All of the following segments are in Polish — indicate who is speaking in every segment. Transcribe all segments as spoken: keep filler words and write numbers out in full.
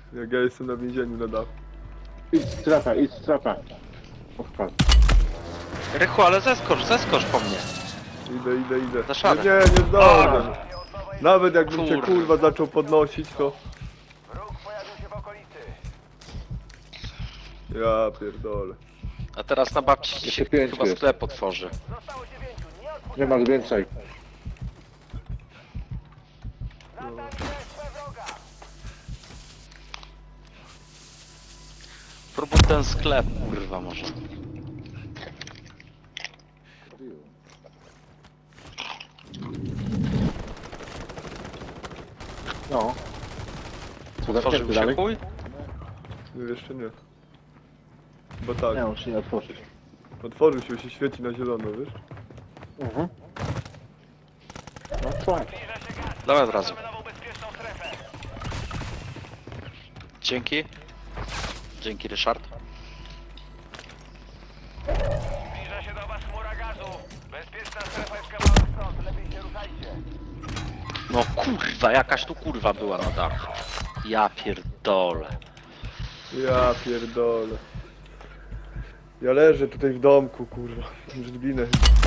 Speaker 1: Jak ja jestem na więzieniu na dachu.
Speaker 2: Idź strefa, idź strefa. Odpad.
Speaker 3: Rychu, ale zeskocz, zeskocz po mnie.
Speaker 1: Idę, idę, idę.
Speaker 3: Za szarę.
Speaker 1: Nie, nie, nie zdążę. Nawet jakbym cię
Speaker 3: Kurwa.
Speaker 1: kurwa zaczął podnosić, to...
Speaker 4: Wróg pojawił się w okolicy.
Speaker 1: Ja pierdolę.
Speaker 3: A teraz na babci ci się
Speaker 2: Jeszcze pięć
Speaker 3: chyba
Speaker 2: jest.
Speaker 3: sklep otworzy.
Speaker 4: Zostało dziewięciu. Nie odpuszczaj.
Speaker 2: Nie masz więcej.
Speaker 4: Wracam śledź wroga.
Speaker 3: Próbuj ten sklep, kurwa może.
Speaker 2: No. Co
Speaker 3: Otworzył
Speaker 2: zamknięty
Speaker 3: się
Speaker 2: dalej?
Speaker 3: chuj?
Speaker 1: Nie, jeszcze nie. Bo tak.
Speaker 2: Nie, muszę nie otworzyć.
Speaker 1: Otworzył się, się świeci na zielono, wiesz?
Speaker 2: Mhm. No tak.
Speaker 4: Zbliża się gaz.
Speaker 3: Dawaj od razu.
Speaker 4: Mamy nową bezpieczną strefę.
Speaker 3: Dzięki. Dzięki, Ryszard.
Speaker 4: Zbliża się do was chmura gazu. Bezpieczna strefa jest kawałek stąd. Lepiej się ruszajcie.
Speaker 3: No kurwa, jakaś tu kurwa była na dachu. Ja pierdolę.
Speaker 1: Ja pierdolę. Ja leżę tutaj w domku, kurwa. Już zginę.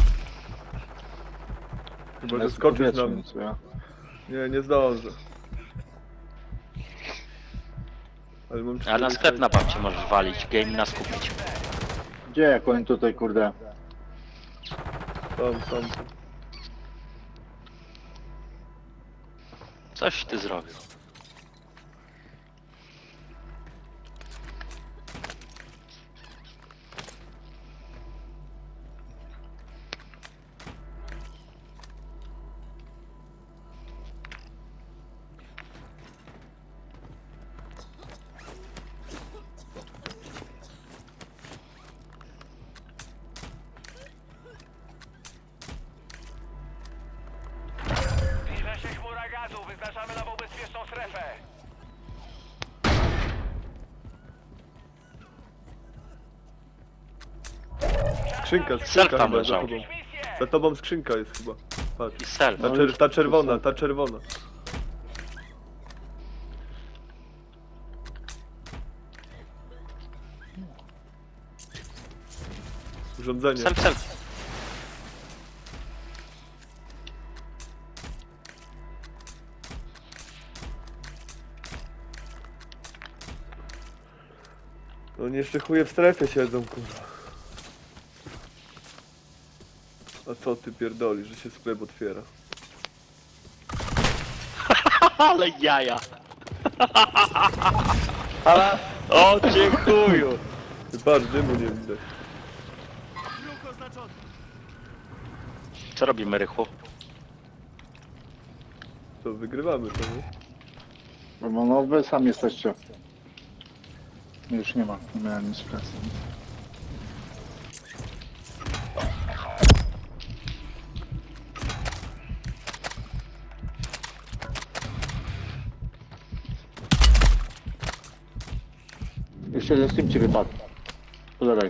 Speaker 1: Chyba, że
Speaker 2: Jest
Speaker 1: skoczysz na
Speaker 2: powietrze,
Speaker 1: mnie.
Speaker 2: co ja?
Speaker 1: Nie, nie zdążę. Ale mam
Speaker 3: Ale na
Speaker 1: cztery
Speaker 3: sklep na babci możesz walić, game nas kupić.
Speaker 2: Gdzie jak oni tutaj kurde?
Speaker 1: Tam, tam.
Speaker 3: Coś ty zrobił.
Speaker 4: Zbliża się chmura gazu. Wyznaczamy nową bezpieczną strefę.
Speaker 1: Skrzynka,
Speaker 3: Sel
Speaker 1: skrzynka
Speaker 3: tam
Speaker 1: chyba za
Speaker 3: leżał.
Speaker 1: tobą.
Speaker 4: Misję.
Speaker 1: Za tobą skrzynka jest chyba. Patrz.
Speaker 3: I sel.
Speaker 1: Ta, czer ta czerwona, ta czerwona. Urządzenie.
Speaker 3: Sel, sel.
Speaker 1: No nie jeszcze chuje w strefie siedzą, kurwa. A co ty pierdoli, że się sklep otwiera?
Speaker 3: Ale jaja. Ale... O cię chuju.
Speaker 1: Ty patrz, dymu nie widać.
Speaker 3: Co robimy, Rychu?
Speaker 1: To wygrywamy to, nie?
Speaker 2: No, no wy sami jesteście. Już nie ma, nie miałem nic pracy. Jeszcze jeden Steam ci wypadł. Po lewej.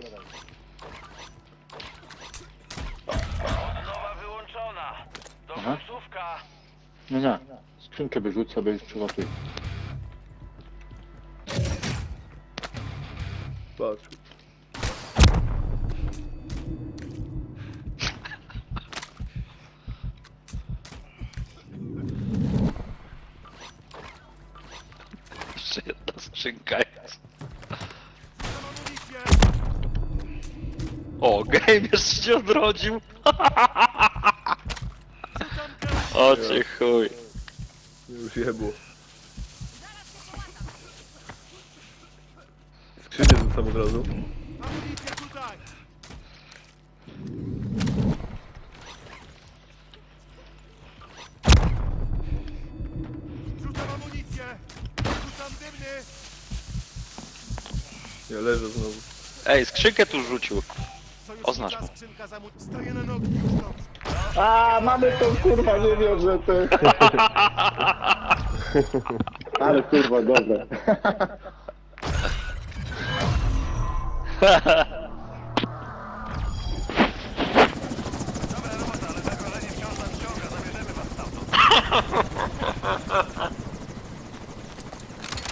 Speaker 4: Nowa wyłączona. Do
Speaker 2: Aha.
Speaker 4: końcówka.
Speaker 2: Nie, nie. Skrzynkę wyrzuć sobie i przygotuj.
Speaker 1: Patrz.
Speaker 3: Jeszcze jedna skrzynka jest. O, game jeszcze się odrodził. O cię chuj.
Speaker 1: Już jebło. Skrzynię rzucam od razu.
Speaker 4: Rzucam amunicję. Rzucam dymny.
Speaker 1: Ja leżę znowu.
Speaker 3: Ej, skrzynkę tu rzucił. Oznacz mu.
Speaker 4: Stoję na nogi już dobrze.
Speaker 2: A, mamy to kurwa, nie wiem, że ty. Ale kurwa, dobre.